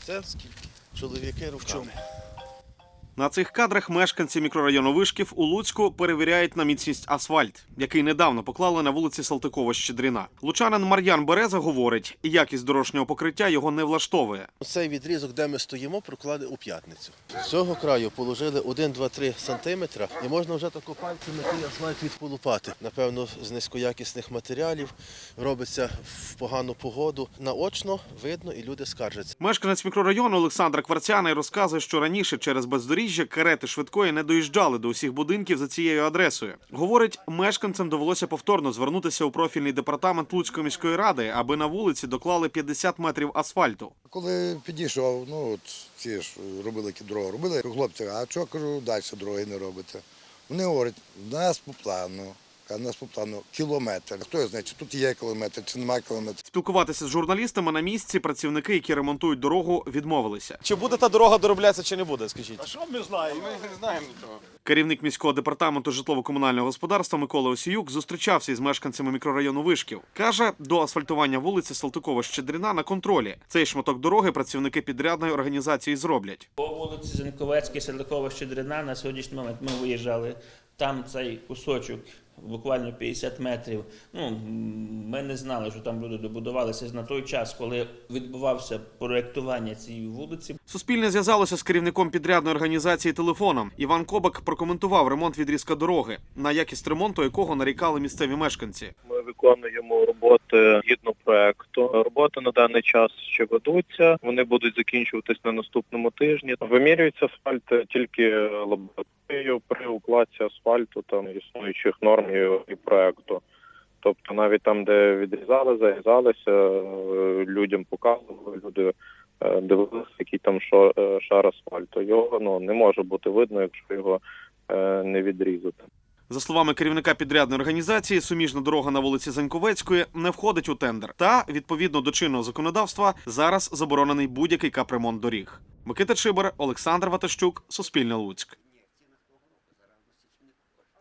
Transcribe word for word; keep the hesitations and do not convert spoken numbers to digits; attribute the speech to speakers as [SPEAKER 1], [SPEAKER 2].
[SPEAKER 1] Це скільки? Чоловіки руками.
[SPEAKER 2] На цих кадрах мешканці мікрорайону Вишків у Луцьку перевіряють на міцність асфальт, який недавно поклали на вулиці Салтикова-Щедрина. Лучанин Мар'ян Береза говорить, якість дорожнього покриття його не влаштовує.
[SPEAKER 1] Цей відрізок, де ми стоїмо, проклади у п'ятницю. З цього краю положили один, два, три сантиметри і можна вже тако пальцями той асфальт відполупати. Напевно, з низькоякісних матеріалів робиться в погану погоду. Наочно видно і люди скаржаться.
[SPEAKER 2] Мешканець мікрорайону Олександр Кварцяний розказує, що раніше через бездоріжжя карети швидкої не доїжджали до усіх будинків за цією адресою. Говорить, мешканцям довелося повторно звернутися у профільний департамент Луцької міської ради, аби на вулиці доклали п'ятдесят метрів асфальту.
[SPEAKER 3] Коли підійшов, ну от ці ж робили дорогу, робили хлопці, а чого, кажу, далі дороги не робите? Вони говорять, у нас по плану. У нас по плану кілометр. Хто знає, чи тут є кілометр, чи немає кілометр.
[SPEAKER 2] Спілкуватися з журналістами на місці працівники, які ремонтують дорогу, відмовилися.
[SPEAKER 4] Чи буде та дорога дороблятися, чи не буде, скажіть?
[SPEAKER 5] А що ми знаємо? Ми не знаємо нічого.
[SPEAKER 2] Керівник міського департаменту житлово-комунального господарства Микола Осіюк зустрічався із мешканцями мікрорайону Вишків. Каже, до асфальтування вулиці Салтикова-Щедрина на контролі. Цей шматок дороги працівники підрядної організації зроблять.
[SPEAKER 6] По вулиці Заньковецькій, Салтикова-Щедрина на сьогоднішній момент ми виїжджали. Там цей кусочок, буквально п'ятдесят метрів. Ну, ми не знали, що там люди добудувалися на той час, коли відбувався проєктування цієї вулиці.
[SPEAKER 2] Суспільне зв'язалося з керівником підрядної організації телефоном. Іван Кобак прокоментував ремонт відрізка дороги, на якість ремонту якого нарікали місцеві мешканці.
[SPEAKER 7] Ми виконуємо роботи згідно проекту. Роботи на даний час ще ведуться. Вони будуть закінчуватись на наступному тижні. Вимірюється асфальт тільки лабораторією при укладці асфальту там існуючих норм і проекту. Тобто навіть там, де відрізали, зарізалися, людям показували, люди дивилися, який там шар асфальту. Його ну, не може бути видно, якщо його не відрізати.
[SPEAKER 2] За словами керівника підрядної організації, суміжна дорога на вулиці Заньковецької не входить у тендер. Та, відповідно до чинного законодавства, зараз заборонений будь-який капремонт доріг. Микита Чибар, Олександр Ватащук, Суспільне Луцьк.